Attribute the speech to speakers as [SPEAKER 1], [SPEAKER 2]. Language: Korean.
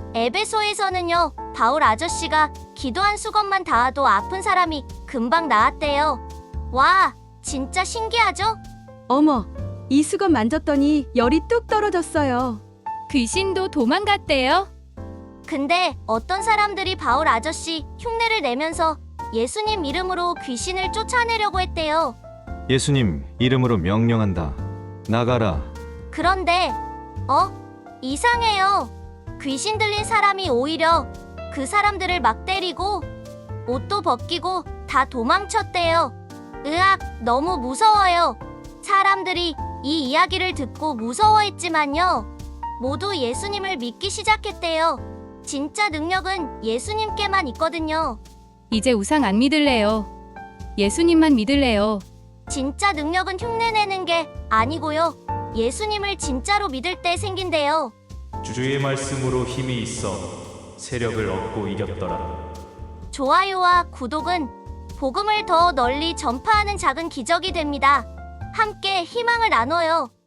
[SPEAKER 1] 에베소에서는요, 바울 아저씨가 기도 한 수건만 닿아도 아픈 사람이 금방 나았대요. 와, 진짜 신기하죠?
[SPEAKER 2] 어머, 이 수건 만졌더니 열이 뚝 떨어졌어요.
[SPEAKER 3] 귀신도 도망갔대요.
[SPEAKER 1] 근데 어떤 사람들이 바울 아저씨 흉내를 내면서 예수님 이름으로 귀신을 쫓아내려고 했대요.
[SPEAKER 4] 예수님 이름으로 명령한다. 나가라.
[SPEAKER 1] 그런데 이상해요. 귀신 들린 사람이 오히려 그 사람들을 막 때리고 옷도 벗기고 다 도망쳤대요. 으악, 너무 무서워요. 사람들이 이 이야기를 듣고 무서워했지만요, 모두 예수님을 믿기 시작했대요. 진짜 능력은 예수님께만 있거든요.
[SPEAKER 3] 이제 우상 안 믿을래요. 예수님만 믿을래요.
[SPEAKER 1] 진짜 능력은 흉내내는 게 아니고요, 예수님을 진짜로 믿을 때 생긴대요.
[SPEAKER 5] 주의 말씀으로 힘이 있어 세력을 얻고 이겼더라.
[SPEAKER 1] 좋아요와 구독은 복음을 더 널리 전파하는 작은 기적이 됩니다. 함께 희망을 나눠요.